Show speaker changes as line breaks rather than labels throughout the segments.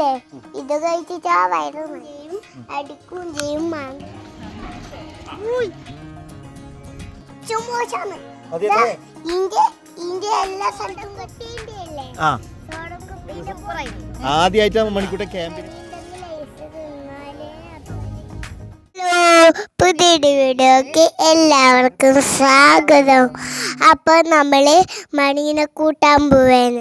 മണിയില്ലേ ഇത് കഴിച്ചിട്ട് ആ വയറ് ചെയ്യും അടിക്കും ചെയ്യും എല്ലാ സ്ഥലത്തും
ആദ്യമായിട്ടാണ് മണിക്കൂട്ടൻ ക്യാമ്പിന്.
പുതിയൊരു വീഡിയോക്ക് എല്ലാവർക്കും സ്വാഗതം. അപ്പൊ നമ്മള് മണീനെ കൂട്ടാൻ പോവേന്ന്.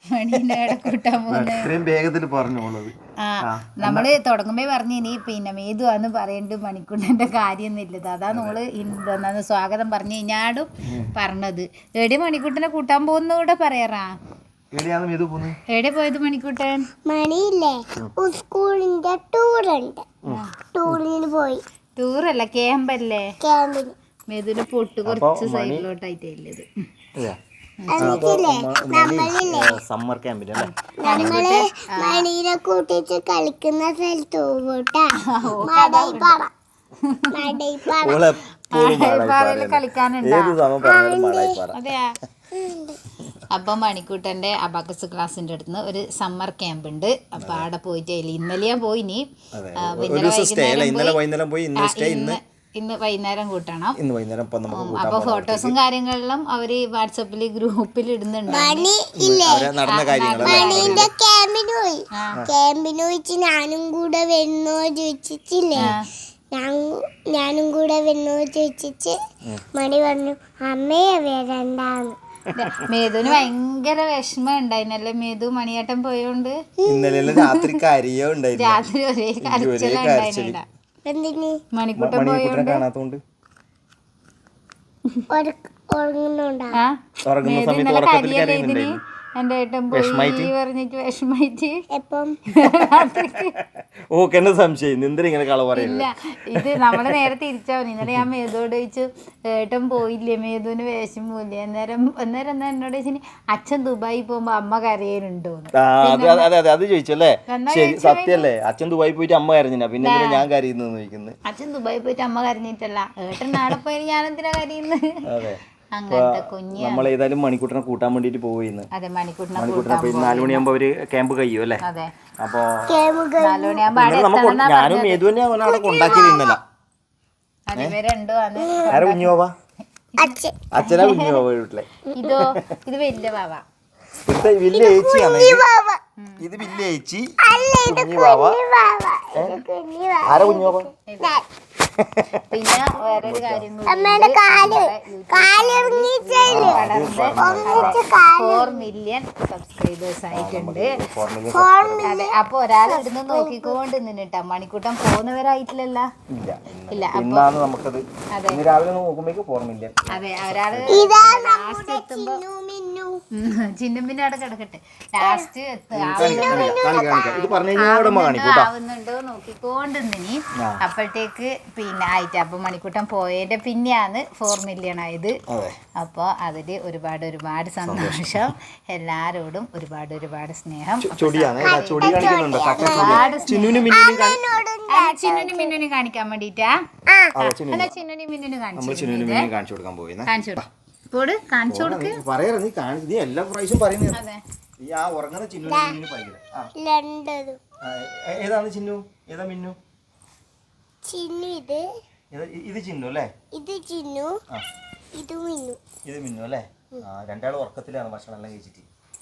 നമ്മള് തുടങ്ങുമ്പോ പറഞ്ഞിനി പിന്നെ മേതുവാന്ന് പറയണ്ട് മണിക്കൂട്ടന്റെ കാര്യമൊന്നുമില്ലത്. അതാ നമ്മള് സ്വാഗതം പറഞ്ഞു കഴിഞ്ഞാടും പറഞ്ഞത്. എവിടെ മണിക്കൂട്ടനെ കൂട്ടാൻ പോകുന്ന കൂടെ പറയാറാ. എവിടെ പോയത് മണിക്കൂട്ടൻ?
മണിയില്ലേ സ്കൂളിന്റെ ടൂറുണ്ട്, ടൂറിന് പോയി.
ടൂറല്ല ക്യാമ്പല്ലേ,
ക്യാമ്പിന്.
മേതുവിന്റെ പൊട്ട് കുറച്ച് സൈഡിലോട്ടായിട്ടല്ലത്.
സമ്മർ ക്യാമ്പിന്
നമ്മള് മണീനെ കൂട്ടിട്ട് കളിക്കുന്ന സ്ഥലത്ത് പോട്ടാ.
കളിക്കാനുണ്ടോ? അതെയാ. അപ്പം മണിക്കൂട്ടൻ്റെ അബാക്കസ് ക്ലാസ്സിൻ്റെ അടുത്ത് ഒരു സമ്മർ ക്യാമ്പ് ഉണ്ട്. അപ്പം അവിടെ പോയിട്ട് ഇന്നലെ പോയിനി, ഇന്ന് വൈകുന്നേരം കൂട്ടണം. അപ്പൊ ഫോട്ടോസും കാര്യങ്ങളിലും അവര് വാട്സപ്പില് ഗ്രൂപ്പിൽ ഇടുന്നുണ്ട്.
മണീന്റെ ക്യാമ്പിന് പോയി. ക്യാമ്പിന് പോയിച്ച് ഞാനും കൂടെ വരുന്നോ ചോദിച്ചില്ലേ, ഞാനും കൂടെ വരുന്നോ ചോദിച്ചിട്ട് മണി പറഞ്ഞു അമ്മയെ വരണ്ടാന്ന്.
മേതുവിന് ഭയങ്കര വിഷമം ഉണ്ടായിരുന്നല്ലേ മേതു മണിയേട്ടൻ പോയോണ്ട്. രാത്രി ഒരേ കരച്ചിലുണ്ടായിരുന്നില്ല. മണിക്കൂട്ടൻ പോയോണ്ട് മേതു കരിയല്ലേ ഇതിന്. എന്റെ ഏട്ടൻ പോയി പറഞ്ഞിട്ട് വിഷമായിട്ട്
സംശയം
ഇല്ല. ഇത് നമ്മള് നേരെ തിരിച്ചാവും. ഇന്നലെ ഞാൻ മേതുവോട് ചോദിച്ചു ഏട്ടൻ പോയില്ലേ, മേതുവിന് വിഷമില്ലേ. അന്നേരം എന്നാ എന്നോട് ചോദിച്ചു അച്ഛൻ ദുബായി പോകുമ്പോ അമ്മ കരയലുണ്ടോ.
അത് ചോദിച്ചല്ലേ, സത്യല്ലേ? അച്ഛൻ ദുബായി പോയിട്ട് അമ്മ കരഞ്ഞ, പിന്നെ ഞാൻ കരയുന്നു ചോദിക്കുന്നത്.
അച്ഛൻ ദുബായി പോയിട്ട് അമ്മ കരഞ്ഞിട്ടല്ല, ഏട്ടൻ നാളെ പോയി ഞാൻ എന്തിനാ കരയുന്നത്. അങ്ങനത്തെ കുഞ്ഞ്
നമ്മൾ ഏതായാലും മണിക്കൂട്ടനെ കൂട്ടാൻ വേണ്ടിട്ട് പോയിന്ന്.
അതെ, മണിക്കൂട്ടനെ
4 മണിയാകുമ്പോ അവര് ക്യാമ്പ് കഴിയും അല്ലേ.
അതെ,
അപ്പൊ
4 മണിയാകുമ്പോ
ഞാനും മേതുവിനെ അവിടെ കൊണ്ടാക്കിയിരുന്നല്ല. ആരാ കുഞ്ഞുവാ? അച്ഛനാ കുഞ്ഞുവാ വീട്ടിലെ.
ഇത് വലിയ ബാവ,
വലിയ ചേച്ചിയാണ്. ഇത് വലിയ ചേച്ചി, കുഞ്ഞു ബാവ. ആരാ കുഞ്ഞുവാ?
പിന്നെ വേറൊരു കാര്യം, 4 മില്യൺ സബ്സ്ക്രൈബേഴ്സ് ആയിട്ടുണ്ട്. അതെ, അപ്പൊ ഒരാൾ ഇടുന്ന് നോക്കിക്കൊണ്ട് നിന്നിട്ടാ. മണിക്കൂട്ടം പോകുന്നവരായിട്ടില്ലല്ല. ഇല്ല, അപ്പൊ അതെ ഒരാള് ലാസ്റ്റ് എത്തുമ്പോ ചിന്നുമ്പിന്റെ അവിടെ കിടക്കട്ടെ, ലാസ്റ്റ് ആവുന്നുണ്ടോ നോക്കിക്കൊണ്ട് നിന്നി. അപ്പോഴത്തേക്ക് പിന്നെ ആയിട്ട് അപ്പൊ മണിക്കൂട്ടം പോയതിന്റെ പിന്നെയാണ് 4 മില്യൺ ആയത്. അപ്പൊ അതില് ഒരുപാട് സന്തോഷം. എല്ലാരോടും ഒരുപാട് സ്നേഹം. ചിന്നുനും മിന്നുനും കാണിക്കാൻ വേണ്ടിട്ടാ. അല്ല, ചിന്നുനും മിന്നുനും കാണിച്ചു കൊടുക്കാൻ പോയി. കാണിച്ചു കൊടുക്ക്.
എല്ലാ പ്രാവശ്യം പറയുന്നത് ഏതാണ് ചിന്നു, ഏതാ മിന്നു?
ചിന്നു
ഇത് ചിന്നു അല്ലേ?
ഇത് ചിന്നു, ഇത് മിന്നു.
ഇത് മിന്നു അല്ലേ? രണ്ടാളും ഉറക്കത്തിലാണ് ഭക്ഷണം എല്ലാം കഴിച്ചിട്ട്.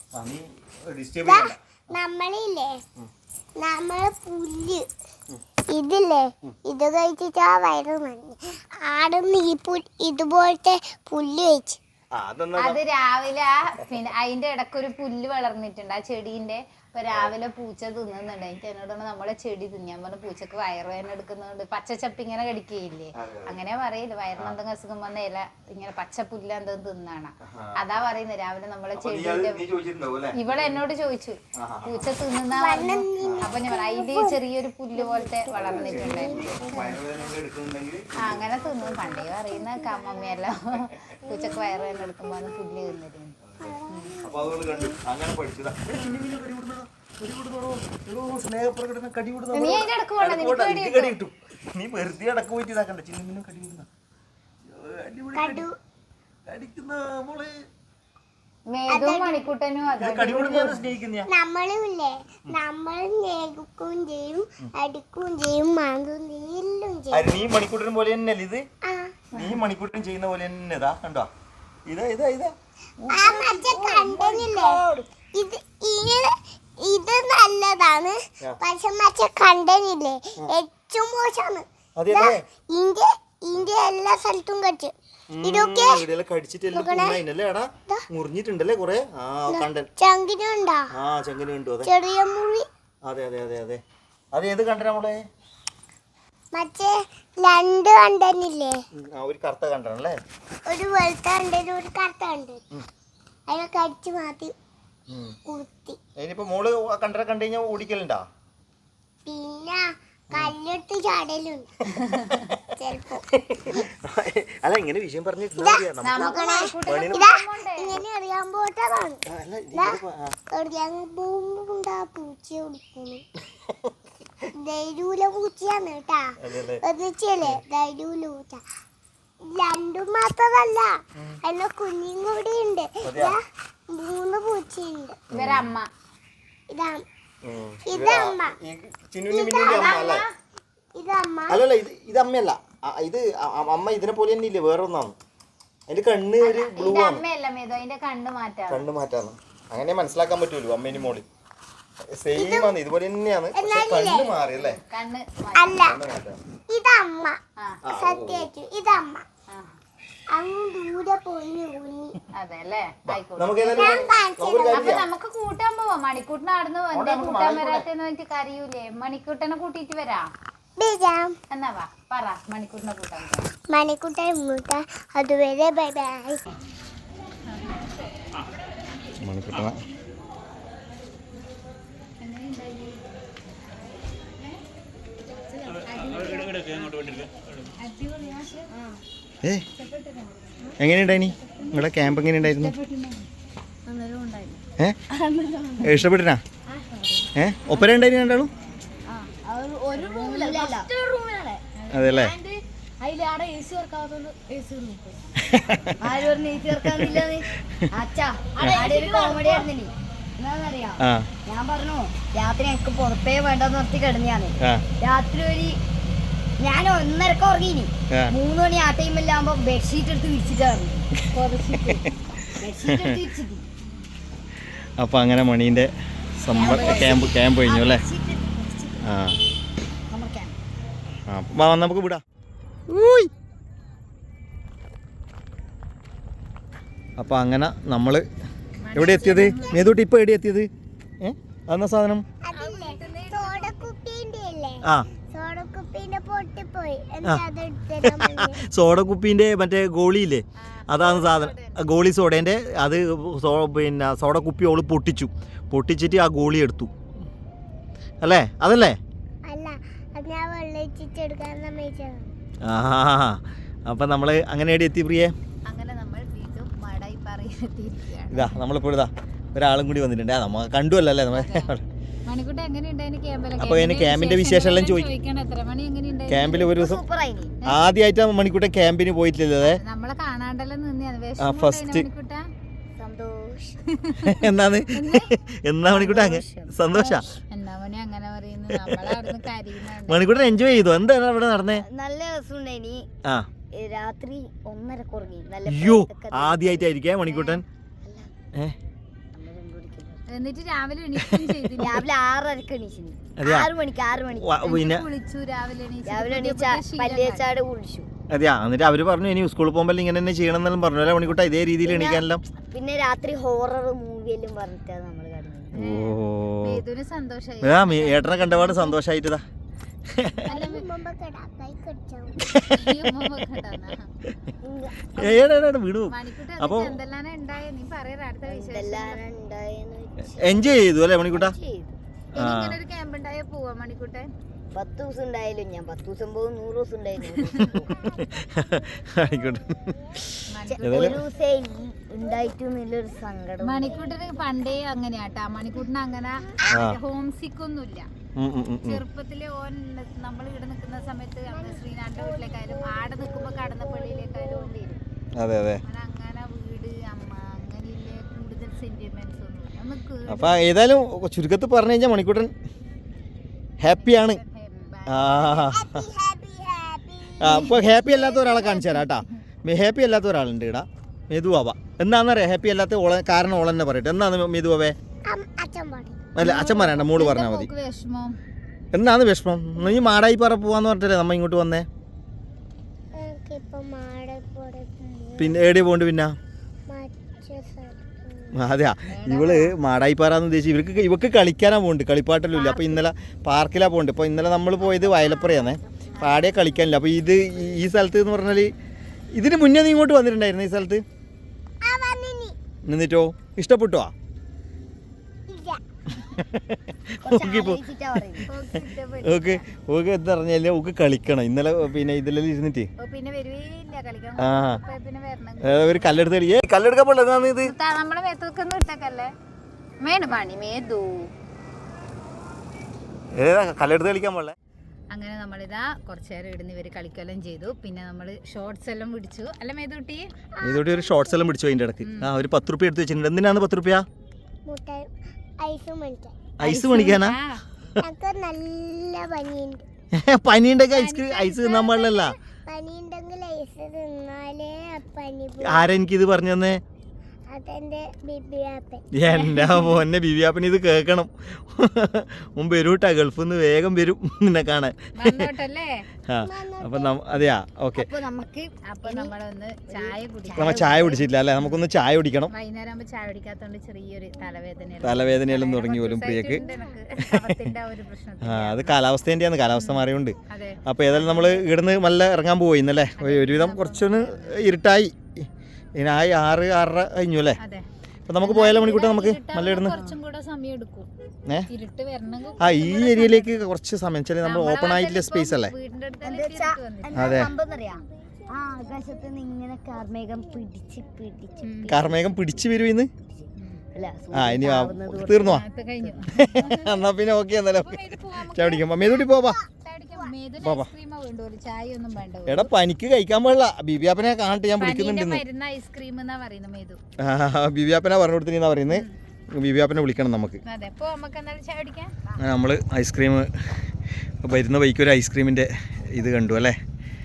നമ്മളില്ലേ, നമ്മള് പുല്ല് ഇതില്ലേ ഇത് കഴിച്ചിട്ട് ആ വയറ് മഞ്ഞ് ആടുന്ന് ഈ ഇതുപോലത്തെ പുല്ല് കഴിച്ച്.
അത് രാവിലെ പിന്നെ അതിന്റെ ഇടക്കൊരു പുല്ല് വളർന്നിട്ടുണ്ട് ആ ചെടീന്റെ. അപ്പൊ രാവിലെ പൂച്ച തിന്നുന്നുണ്ട്. എനിക്ക് എന്നോട് നമ്മളെ ചെടി തിന്നാൻ പറഞ്ഞ പൂച്ചക്ക് വയറുവേദന എടുക്കുന്നുണ്ട്. പച്ചച്ചപ്പ് ഇങ്ങനെ കടിക്കുകയില്ലേ, അങ്ങനെ പറയില്ല. വയറിന് എന്തെങ്കിലും അസുഖം വന്ന ഇല ഇങ്ങനെ പച്ച പുല്ല് എന്തെങ്കിലും തിന്നാണ്. അതാ പറയുന്നത് രാവിലെ നമ്മളെ ചെടീന്റെ. ഇവളെ എന്നോട് ചോദിച്ചു പൂച്ച തിന്നുന്ന. അപ്പൊ ഞാൻ അതില് ചെറിയൊരു പുല്ല് പോലത്തെ വളർന്നിട്ടുണ്ടായിരുന്നു. അങ്ങനെ തിന്നും. പണ്ടേ പറയുന്ന മമ്മിയല്ല പൂച്ചക്ക് വയറുവേദന എടുക്കുമ്പോ പുല്ല് തിന്നിരുന്നു.
നീ വെറുതെ അടക്ക പോയിട്ട് ഇതാക്കണ്ട. ചിന്നുമിനും കടി കിട്ടുന്ന മോളെ.
മേതും മണിക്കൂട്ടനും അതെ
നമ്മളും ഇല്ലേ നമ്മൾ നേകും ചെയ്യും അടിക്കുകയും ചെയ്യും മാന്തും എല്ലാം ചെയ്യും.
നീ മണിക്കൂട്ടൻ പോലെ തന്നെയല്ലേ ഇത്?
ആ
നീ മണിക്കൂട്ടൻ ചെയ്യുന്ന പോലെ തന്നെ ഇതാ കണ്ടോ? ഇതാ
ആ മറ്റേ കണ്ടനില്ലേ ഇത് ഇത് നല്ലതാണ്. പക്ഷെ മറ്റേ കണ്ടനില്ലേ ഏറ്റവും മോശമാണ്. ഇന്ത്യ എല്ലാ സ്ഥലത്തും കടിച്ചു ഇതൊക്കെ
മുറിഞ്ഞിട്ടുണ്ടല്ലേ കൊറേ.
ചങ്കിനുണ്ടോ? ചെറിയ മുറി.
അതെ അതെ അതെ അതെ. അത് ഏത് കണ്ടന നമ്മളെ?
മറ്റേ രണ്ട് കണ്ടനില്ലേ?
ഒരു കറുത്ത കണ്ടനല്ലേ?
ഒരു വെളുത്ത കണ്ടനും ഒരു കറുത്ത കണ്ടനും. അതിനെ കടിച്ചു മാറ്റി കുത്തി.
ഇനിയിപ്പോ മോള് കണ്ടന കണ്ടു കഴിഞ്ഞാൽ ഓടിക്കലുണ്ടാ?
പിന്നെ കല്ലെടുത്ത് ചാടലുണ്ട് ചെലപ്പോ.
അല്ല ഇങ്ങനെ വിഷയം പറഞ്ഞിട്ടില്ല.
ഇങ്ങനെ അറിയാൻ പോട്ടതാണ്. പൂണ്ടാ പൂച്ച കുടിക്കുന്നു. ധൈര്യൂല പൂച്ചയാണ് കേട്ടാ. എന്നിച്ചല്ലേ ധൈര്യൂല പൂച്ച. രണ്ടും മാത്രമല്ല അതിന്റെ കുഞ്ഞും കൂടി ഉണ്ട്. 3 പൂച്ചയുണ്ട്.
ഇവരമ്മ
ഇതമ്മ.
അല്ലല്ല ഇത് അമ്മയല്ല. ഇത് അമ്മ ഇതിനെ പോലെ തന്നെ ഇല്ലേ, വേറെ ഒന്നാണ്. അതിന്റെ കണ്ണ് ഒരു ബ്ലൂ ആണ്. കണ്ണ് മാറ്റാന്ന് അങ്ങനെ മനസ്സിലാക്കാൻ പറ്റൂലോ. അമ്മേനും മോളി സെയിം ആണ്, ഇതുപോലെ തന്നെയാണ്. പക്ഷെ കണ്ണ് മാറി അല്ലേ?
അല്ല ഇതമ്മ. സത്യായിട്ടു ഇതമ്മ.
നമുക്ക് കൂട്ടാൻ പോവാം. മണിക്കൂട്ടിന് നടന്നു എന്തേ കൂട്ടാൻ വരാത്തെന്ന് പറഞ്ഞിട്ട് കരയൂലേ? മണിക്കൂട്ടനെ കൂട്ടിട്ട് വരാം. എന്നാ വാ പറ മണിക്കൂട്ടിനെ കൂട്ടാൻ.
മണിക്കൂട്ടൻ അതുവരെ ബൈ ബൈ.
മണിക്കൂട്ടന എങ്ങനെയുണ്ടായിനി നിങ്ങളുടെ ക്യാമ്പ്? എങ്ങനെയുണ്ടായിരുന്നു? ഇഷ്ടപ്പെട്ടിനാ? ഒപ്പര ഉണ്ടായിരുന്നു രണ്ടാളും? അതെല്ലേ?
ഞാൻ പറഞ്ഞു രാത്രി എനിക്ക് പുറത്തേ വേണ്ടെന്ന് നിർത്തി കിടന്നാണ്. രാത്രി ഞാൻ 1:30 ഉറങ്ങിനി. 3 മണി ആ ടൈമിലാകുമ്പോ ബെഡ്ഷീറ്റ് എടുത്ത് വിരിച്ചിട്ടാണ്.
അപ്പൊ അങ്ങനെ മണീന്റെ ക്യാമ്പ് കഴിഞ്ഞു അല്ലേ? നമുക്ക് വിടാം. അപ്പൊ അങ്ങനെ നമ്മള് എവിടെ എത്തിയത്? മേതൂട്ടി ഇപ്പൊ എവിടെ എത്തിയത്? അതെന്നാ സാധനം? സോഡ കുപ്പീൻ്റെ മറ്റേ ഗോളിയില്ലേ, അതാണ് സാധനം. ഗോളി സോഡേൻ്റെ അത് പിന്നെ സോഡ കുപ്പി ഓള് പൊട്ടിച്ചിട്ട് ആ ഗോളി എടുത്തു അല്ലേ? അതല്ലേ? ആ അപ്പൊ നമ്മള് അങ്ങനെ എവിടെ എത്തി പ്രിയേ? ഇതാ നമ്മളിപ്പോൾ ഇതാ ഒരാളും കൂടി വന്നിട്ടുണ്ട്. നമ്മ കണ്ടുവല്ലോ അല്ലേ നമ്മളെ. അപ്പൊ ക്യാമ്പിന്റെ വിശേഷം എല്ലാം ചോദിക്കണം. ക്യാമ്പിൽ ഒരു ദിവസം ആദ്യമായിട്ട് മണിക്കൂട്ടൻ ക്യാമ്പിന് പോയിട്ടില്ലേ? ഫസ്റ്റ് എന്നാണ് എന്നാ മണിക്കൂട്ട സന്തോഷ മണിക്കൂട്ടൻ എൻജോയ് ചെയ്തു. എന്താണ് അവിടെ നടന്നേ?
നല്ല രസമുണ്ടായിനി. രാത്രി 1:30 ഉറങ്ങി.
അയ്യോ ആദ്യമായിട്ടായിരിക്കേ മണിക്കൂട്ടൻ?
എന്നിട്ട് രാവിലെ
6:30 എണീച്ചു. 6 മണിക്ക് പല്ലിയച്ചാട് കുളിച്ചു.
അതെയാ? എന്നിട്ട് അവര് പറഞ്ഞു ഇനി സ്കൂളിൽ പോകുമ്പോൾ ഇങ്ങനെ തന്നെ ചെയ്യണം എന്നെല്ലാം പറഞ്ഞു അല്ലേ മണിക്കൂട്ട? ഇതേ രീതിയിൽ എണീക്കാനെല്ലാം.
പിന്നെ രാത്രി ഹൊറർ മൂവിയെല്ലാം പറഞ്ഞിട്ടാണ് നമ്മൾ
കാണുന്നത്.
ഏട്ടനെ കണ്ടപാട് സന്തോഷായിട്ടാ. വീണു. അപ്പൊ എൻജോയ് ചെയ്തു അല്ലേ മണിക്കൂട്ട?
10 ദിവസം ഉണ്ടായാലും ഞാൻ 10 ദിവസം പോകും, 100 ദിവസം ഉണ്ടായാലും ഉണ്ടായിട്ടൊന്നുമില്ലൊരു സങ്കടം.
മണിക്കൂട്ടിന് പണ്ടേ അങ്ങനെയാട്ടാ. മണിക്കൂട്ടിന് അങ്ങനെ ഹോം സിക്ക് ഒന്നുമില്ല. ചെറുപ്പത്തില് നമ്മൾ ഇവിടെ നിൽക്കുന്ന സമയത്ത് ശ്രീനാഥിന്റെ വീട്ടിലേക്കായാലും ആടെ നിൽക്കുമ്പോ കടന്നപ്പള്ളിയിലേക്കായാലും വരും. അങ്ങനെ വീട് അമ്മ അങ്ങനെയില്ലേ കൂടുതൽ
അപ്പൊ ഏതായാലും ചുരുക്കത്തിൽ പറഞ്ഞു കഴിഞ്ഞാൽ മണിക്കൂട്ടൻ ഹാപ്പിയാണ്. അപ്പോൾ ഹാപ്പി അല്ലാത്ത ഒരാളെ കാണിച്ചു തരാം കേട്ടാ. ഹാപ്പി അല്ലാത്ത ഒരാളുണ്ട് ഇടാ, മെതുവാവ. എന്താണെന്നറിയാം ഹാപ്പി അല്ലാത്ത കാരണം ഓൾ തന്നെ പറയട്ടെ. എന്നാന്ന് മെതുവാവേ? അല്ല അച്ഛൻ പറയണ്ട, മോള് പറഞ്ഞാൽ മതി. എന്നാന്ന് വിഷമം? നീ മാടായി പറ പോവാന്ന് പറഞ്ഞിട്ടല്ലേ നമ്മ ഇങ്ങോട്ട് വന്നേ. പിന്നെ എവിടെ പോണ്ട്? പിന്നെ അതെയാ, ഇവള് മാടായിപ്പാറാന്ന് ഉദ്ദേശിച്ച് ഇവക്ക് കളിക്കാനാ പോണ്ട്, കളിപ്പാട്ടെല്ലാം ഇല്ല. അപ്പോൾ ഇന്നലെ പാർക്കിലാ പോണ്ട്. ഇപ്പോൾ ഇന്നലെ നമ്മൾ പോയത് വയലപ്പുറയാന്നേ, അപ്പോൾ ആടെ കളിക്കാനില്ല. അപ്പോൾ ഈ സ്ഥലത്ത് എന്ന് പറഞ്ഞാൽ ഇതിന് മുന്നേ നീ ഇങ്ങോട്ട് വന്നിട്ടുണ്ടായിരുന്നു ഈ സ്ഥലത്ത്? എന്നിട്ടോ ഇഷ്ടപ്പെട്ടോ? ഓക്കെ ഓക്കെ എന്താ പറഞ്ഞാല് ഓക്ക് കളിക്കണം. ഇന്നലെ പിന്നെ ഇതിലെല്ലാം ഇരുന്നിട്ട് ഒരു കല്ലെടുത്ത് കല്ലെടുക്കാൻ പാടില്ല. ഇത് ഏതാ കല്ലെടുത്ത് കളിക്കാൻ പാടില്ല.
അങ്ങനെ നമ്മളിതാ കുറച്ചു നേരം ഇടുന്ന് ഇവര് കളിക്കെല്ലാം ചെയ്തു. പിന്നെ നമ്മള് ഷോർട്സ് എല്ലാം പിടിച്ചു. അല്ല മേതൂട്ടി?
മേതൂട്ടി ഒരു ഷോർട്സ് എല്ലാം പിടിച്ചു അതിന്റെ ഇടയ്ക്ക്. ഒരു 10 രൂപ എടുത്ത് വെച്ചിട്ടുണ്ട്. എന്തിനാണ് 10 രൂപ? ഐസ് മേടിക്കാനാ? പനിയുണ്ടെങ്കിൽ ഐസ് തിന്നാൻ പാടില്ലല്ല. ആരാ എനിക്കിത് പറഞ്ഞു തന്നെ? എന്റെ മോനെ ബിബിയാപ്പന് ഇത് കേക്കണം. മുമ്പ് വരൂട്ടാ, ഗൾഫിൽ നിന്ന് വേഗം വരും നിന്നെ കാണാൻ. അപ്പൊ അതെയാ ഓക്കെ. നമ്മ ചായ കുടിച്ചിട്ടില്ല അല്ലെ? നമുക്കൊന്ന് ചായ കുടിക്കണം. തലവേദനയെല്ലാം തുടങ്ങി പോലും പ്രിയക്ക്. അത് കാലാവസ്ഥേന്റെയാണ്, കാലാവസ്ഥ മാറിയോണ്ട്. അപ്പൊ ഏതായാലും നമ്മള് ഇവിടുന്ന് നല്ല ഇറങ്ങാൻ പോയി ഇന്നല്ലേ. ഒരുവിധം കുറച്ചൊന്ന് ഇരുട്ടായി. ഇതിനായി 6-6:30 കഴിഞ്ഞു അല്ലേ? അപ്പൊ നമുക്ക് പോയാലോ മണിക്കൂട്ടെ? നമുക്ക് നല്ല ഇടുന്നു. ഈ ഏരിയയിലേക്ക് കുറച്ച് സമയം വെച്ചാൽ നമ്മൾ ഓപ്പൺ ആയിട്ടുള്ള സ്പേസ് അല്ലേ? അതെ, കാർമേഘം പിടിച്ച് വരും ഇന്ന്. ഇനി തീർന്നോ? എന്നാ പിന്നെ ഓക്കെ. എന്നാലും ചായ കുടിക്കാം. മേതൂട്ടി പോവാ. എടാ പനിക്ക് കഴിക്കാൻ പാടില്ല. ബിബിയാപ്പനെ കാണട്ടെ, ഞാൻ വിളിക്കുന്നുണ്ട്. ബിബിയാപ്പനെ പറഞ്ഞു കൊടുത്തിനാ പറയുന്നത്. ബിബിയാപ്പനെ വിളിക്കണം നമുക്ക്. നമ്മള് ഐസ്ക്രീം വരുന്ന വഴിക്ക് ഒരു ഐസ്ക്രീമിന്റെ ഇത് കണ്ടു അല്ലേ?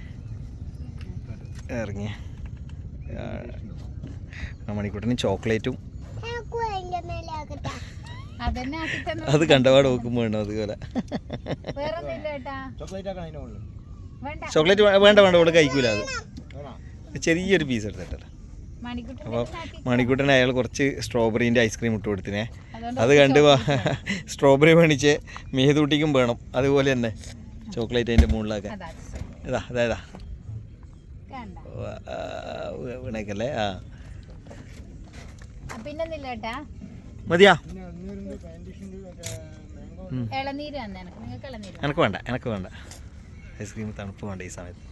ഇറങ്ങിയ മണിക്കൂട്ടിന് ചോക്ലേറ്റും അത് കണ്ടപാട് നോക്കുമ്പോ വേണം അതുപോലെ. ചോക്ലേറ്റ് വേണ്ട വേണ്ട, ഇവിടെ കഴിക്കൂല. അത് ചെറിയൊരു പീസ് എടുത്തിട്ടല്ല. അപ്പോൾ മണിക്കൂട്ടന് അയാൾ കുറച്ച് സ്ട്രോബെറീൻ്റെ ഐസ്ക്രീം ഇട്ട് കൊടുത്തിനെ. അത് കണ്ട് സ്ട്രോബെറി മേടിച്ച് മേതൂട്ടിക്കും വേണം. അതുപോലെ തന്നെ ചോക്ലേറ്റ് അതിൻ്റെ മുകളിലൊക്കെ ഇതാ അതായതാ വീണേക്കല്ലേ. മതിയാ? എനക്ക് വേണ്ട, എനക്ക് വേണ്ട ഐസ്ക്രീം. തണുപ്പ് വേണ്ട ഈ സമയത്ത്.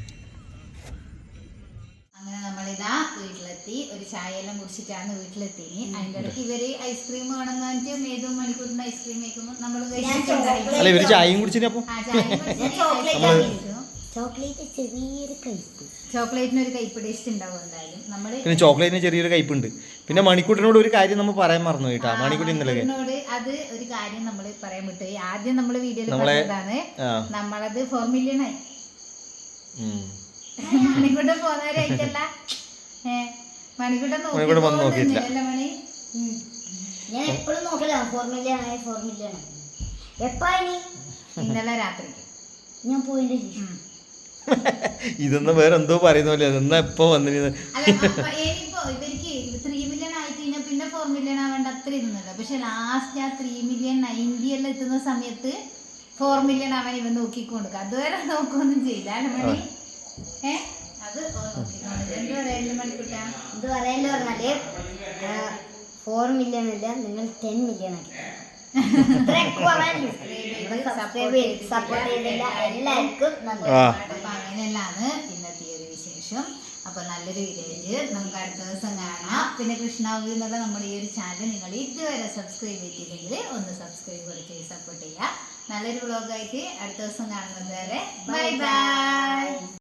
അങ്ങനെ നമ്മളിതാ വീട്ടിലെത്തി. ഒരു ചായ എല്ലാം കുടിച്ചിട്ടാണ് വീട്ടിലെത്തി. അതിന്റെ ഇടയ്ക്ക് ഇവര് ഐസ്ക്രീം വേണമെന്ന് പറഞ്ഞിട്ട് മേതും മണിക്കൂറിന് ഐസ്ക്രീം കഴിക്കുമ്പോൾ നമ്മള്
ചായയും കുടിച്ചിട്ട്
ചോക്ലേറ്റിന് ഒരു കയ്പ് ടേസ്റ്റ് ഉണ്ടാവും എന്തായാലും. നമ്മള്
പിന്നെ ചോക്ലേറ്റിന് ചെറിയൊരു കയ്പുണ്ട്. പിന്നെ മണിക്കൂട്ടിനോട് ഒരു കാര്യം നമ്മൾ പറയാൻ മറന്നു കേട്ടാ. മണിക്കൂട്ടി ഇന്നലെ
അത് ഒരു കാര്യം നമ്മൾ പറയാൻ വിട്ടുപോയി. ആദ്യം നമ്മള് വീഡിയോയിൽ പറഞ്ഞതാണ് നമ്മളത് 4 million ആയി. മണിക്കൂട്ടം പോകുന്നവരായിട്ടല്ല, മണിക്കൂട്ടം നോക്കിയില്ല. മണി
ഞാൻ എപ്പോഴും നോക്കില്ല. 4 million ആയി, 4 million ആയി. എപ്പാ?
ഇന്നലെ രാത്രിക്ക്
ഞാൻ പോയിന്റെ.
ഇതൊന്നും വേറെ എന്തോ പറയുന്ന പോലെ. അതെന്നാ എപ്പോ വന്നിരുന്നത്?
ഇവർക്ക് 3 million ആയി കഴിഞ്ഞാൽ പിന്നെ 4 million ആവേണ്ട അത്ര ഇരുന്നല്ലോ. പക്ഷെ ലാസ്റ്റ് ആ 3,90,000 എല്ലാം എത്തുന്ന സമയത്ത് 4 million ആവാൻ ഇവൻ നോക്കിക്കൊടുക്കുക. അതുവരെ നോക്കൊന്നും ചെയ്യില്ല മണി. അത് എന്ത് പറയല്ലോ മണിക്കൂട്ടാ?
ഇത് പറയല്ലോ പറഞ്ഞാല് 4 million അല്ല, നിങ്ങൾ 10 million ആക്കി.
അങ്ങനെയല്ലാണ് ഇന്നത്തെ ഒരു വിശേഷം. അപ്പൊ നല്ലൊരു വീഡിയോ നമുക്ക് അടുത്ത ദിവസം കാണാം. പിന്നെ കൃഷ്ണാവൂർ എന്നുള്ള നമ്മുടെ ഈ ഒരു ചാനൽ നിങ്ങൾ ഇതുവരെ സബ്സ്ക്രൈബ് ചെയ്തില്ലെങ്കിൽ ഒന്ന് സബ്സ്ക്രൈബ് കൂടി ചെയ്ത് സപ്പോർട്ട് ചെയ്യുക. നല്ലൊരു വ്ളോഗായിട്ട് അടുത്ത ദിവസം കാണുന്നത് വരെ ബൈ ബൈ.